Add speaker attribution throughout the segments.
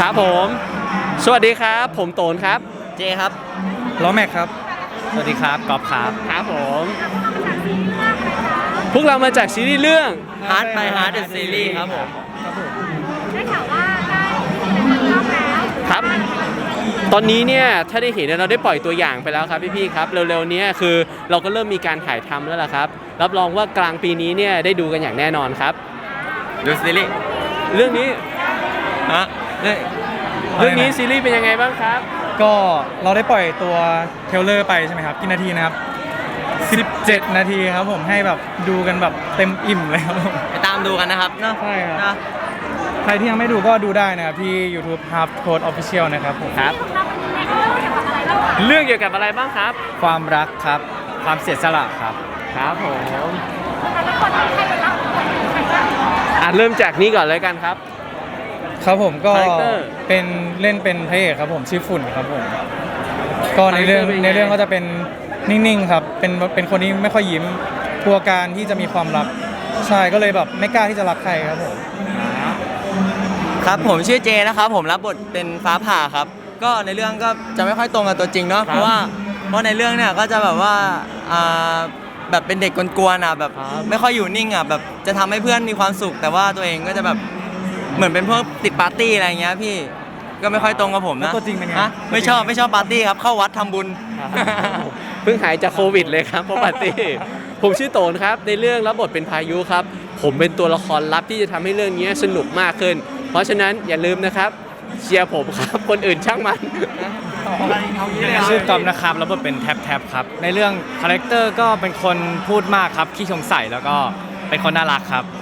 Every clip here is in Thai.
Speaker 1: ครับผมสวัสดีครับผมโตนครับ
Speaker 2: เจครับ
Speaker 3: ล้อแม็กครับ
Speaker 2: สวัสดีครับกอล์ฟครับ
Speaker 1: ครับผมพวกเรามาจากซีรีส์เรื่อง
Speaker 2: Heart by Heart the Series ครับผม
Speaker 4: ได้ข่าวว่าได้เป็นรอบแล้ว
Speaker 1: ครับตอนนี้เนี่ยถ้าได้เห็นเราได้ปล่อยตัวอย่างไปแล้วครับพี่ๆครับเร็วๆนี้คือเราก็เริ่มมีการถ่ายทำแล้วล่ะครับรับรองว่ากลางปีนี้เนี่ยได้ดูกันอย่างแน่นอนครับ
Speaker 2: ดูซีรีส์
Speaker 1: เรื่องนี้
Speaker 2: ฮะ
Speaker 1: เรื่องนี้ซีรีส์เป็นยังไงบ้างครับ
Speaker 3: ก็เราได้ปล่อยตัวเทรลเลอร์ไปใช่ไหมครับกี่นาทีนะครับ17 นาทีครับผมให้แบบดูกันแบบเต็มอิ่มเลยครับผม
Speaker 2: ไปตามดูกันนะครับเนาะ
Speaker 3: ใช่ครับใครที่ยังไม่ดูก็ดูได้นะครับที่ YouTube Half Code Official นะครับผม
Speaker 1: ครับเรื่องเกี่ยวกับอะไรบ้างครับ
Speaker 3: ความรักครับความเสียสละครับ
Speaker 1: ครับผมเริ่มจากนี้ก่อนเลยกันครับ
Speaker 3: ครับผมก็เป็นเล่นเป็นพระเอกครับผมชื่อฝุ่นครับผมก็ในเรื่องก็จะเป็นนิ่งๆครับเป็นคนที่ไม่ค่อยยิ้มกลัวการที่จะมีความรักใช่ก็เลยแบบไม่กล้าที่จะรักใครครับผม
Speaker 2: ครับผมชื่อเจนะครับผมรับบทเป็นฟ้าผ่าครับก็ในเรื่องก็จะไม่ค่อยตรงกับตัวจริงเนาะเพราะในเรื่องเนี่ยก็จะแบบว่าแบบเป็นเด็กกวนๆแบบไม่ค่อยอยู่นิ่งแบบจะทำให้เพื่อนมีความสุขแต่ว่าตัวเองก็จะแบบเหมือนเป็นพวกติดปาร์ตี้อะไรอย่างเงี้ยพี่ก็ไม่ค่อยตรงกับผมนะ
Speaker 3: ตัวจริงเป็นไง
Speaker 2: ไม่ชอบปาร์ตี้ครับเข้าวัดทำบุญ
Speaker 1: เพิ่งหายจากโควิดเลยครับเพราะปาร์ตี้ผมชื่อโตนครับในเรื่องรับบทเป็นพายุครับผมเป็นตัวละครลับที่จะทำให้เรื่องนี้สนุกมากขึ้นเพราะฉะนั้นอย่าลืมนะครับเชียร์ผมครับคนอื่นช่างมัน
Speaker 3: ชื่อกอมนะครับรับบทเป็นแท็บครับในเรื่องคาแรคเตอร์ก็เป็นคนพูดมากครับขี้สงสัยแล้วก็เป็นคนน่ารักครับ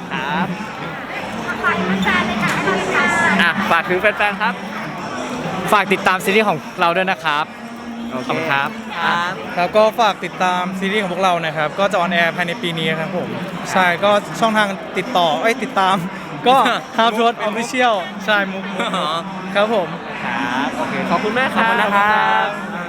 Speaker 1: ฝากถึงแฟนๆครับ
Speaker 3: ฝากติดตามซีรีส์ของเราด้วยนะครับขอบคุณครับแล้วก็ฝากติดตามซีรีส์ของพวกเรานะครับก็จะออนแอร์ภายในปีนี้ครับผมใช่ก็ช่องทางติดตามก็ Half Code Official ใช่มุกครับผม
Speaker 1: ครับโอเคขอบคุณมากครับ
Speaker 2: ขอบคุณนะครับ